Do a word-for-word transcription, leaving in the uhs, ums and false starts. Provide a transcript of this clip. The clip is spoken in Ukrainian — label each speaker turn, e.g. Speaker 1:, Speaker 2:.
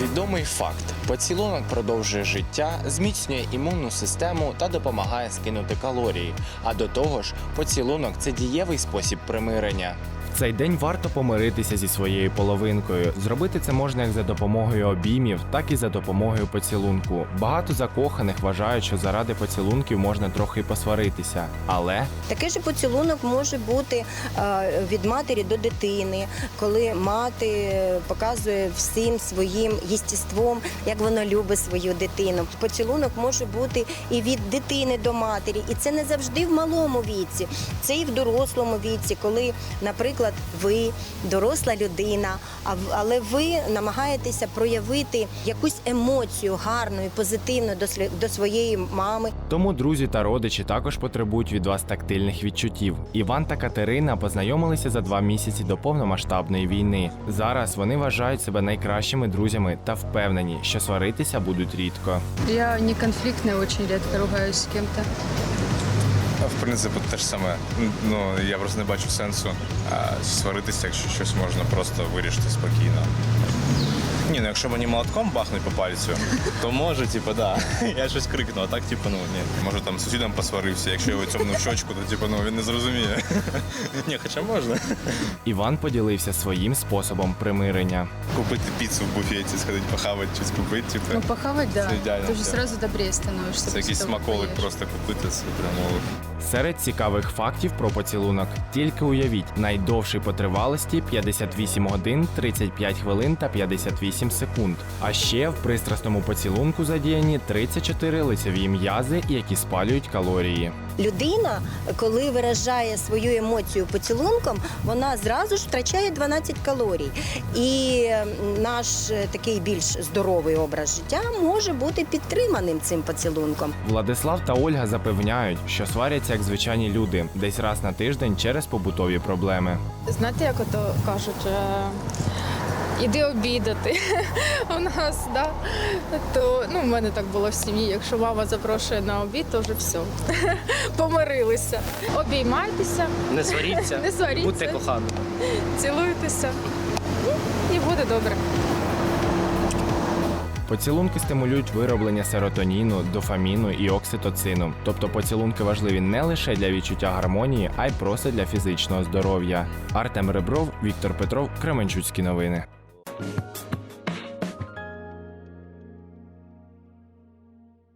Speaker 1: Відомий факт: поцілунок продовжує життя, зміцнює імунну систему та допомагає скинути калорії. А до того ж, поцілунок – це дієвий спосіб примирення.
Speaker 2: В цей день варто помиритися зі своєю половинкою. Зробити це можна як за допомогою обіймів, так і за допомогою поцілунку. Багато закоханих вважають, що заради поцілунків можна трохи посваритися. Але
Speaker 3: Такий же поцілунок може бути е, від матері до дитини, коли мати показує всім своїм єстеством, як вона любить свою дитину. Поцілунок може бути і від дитини до матері, і це не завжди в малому віці, це і в дорослому віці, коли, наприклад, ви доросла людина, але ви намагаєтеся проявити якусь емоцію гарну і позитивну до своєї мами.
Speaker 2: тому друзі та родичі також потребують від вас тактильних відчуттів. Іван та Катерина познайомилися за два місяці до повномасштабної війни. Зараз вони вважають себе найкращими друзями та впевнені, що сваритися будуть рідко.
Speaker 4: Я не конфликтная, очень редко ругаюсь с кем-то.
Speaker 5: В принципі, те ж саме. Ну, я просто не бачу сенсу а, сваритися, якщо щось можна просто вирішити спокійно. Ні, ну якщо мені молотком бахнуть по пальцю, то може, типу, да. Я щось крикну, а так, типу, ну, ні. Може там з сусідом посварився, якщо його цьомну в щочку, то, типу, ну, він не зрозуміє. Ні, хоча можна.
Speaker 2: Іван поділився своїм способом примирення.
Speaker 5: Купити піцу в буфеті, сходити похавати, щось купити, типу.
Speaker 4: Ну, похавать, да.
Speaker 5: Це ідеально.
Speaker 4: Ты же
Speaker 5: все.
Speaker 4: сразу добрее становишься.
Speaker 5: Це якийсь
Speaker 4: после того, как
Speaker 5: смаколик
Speaker 4: поешь.
Speaker 5: просто купити, це прямо.
Speaker 2: Серед цікавих фактів про поцілунок. Тільки уявіть, найдовший по тривалості п'ятдесят вісім годин, тридцять п'ять хвилин та п'ятдесят вісім секунд. А ще в пристрасному поцілунку задіяні тридцять чотири лицеві м'язи, які спалюють калорії.
Speaker 3: Людина, коли виражає свою емоцію поцілунком, вона зразу ж втрачає дванадцять калорій. І наш такий більш здоровий образ життя може бути підтриманим цим поцілунком.
Speaker 2: Владислав та Ольга запевняють, що сваряться як звичайні люди, десь раз на тиждень через побутові проблеми.
Speaker 4: Знаєте, як ото кажуть, е, іди обідати у нас, да? То, ну, в мене так було в сім'ї, якщо мама запрошує на обід, то вже все, помирилися. Обіймайтеся,
Speaker 6: Не сваріться,
Speaker 4: Не сваріться.
Speaker 6: будьте коханими.
Speaker 4: цілуйтеся, і буде добре.
Speaker 2: Поцілунки стимулюють вироблення серотоніну, дофаміну і окситоцину. Тобто поцілунки важливі не лише для відчуття гармонії, а й просто для фізичного здоров'я. Артем Ребров, Віктор Петров, Кременчуцькі новини.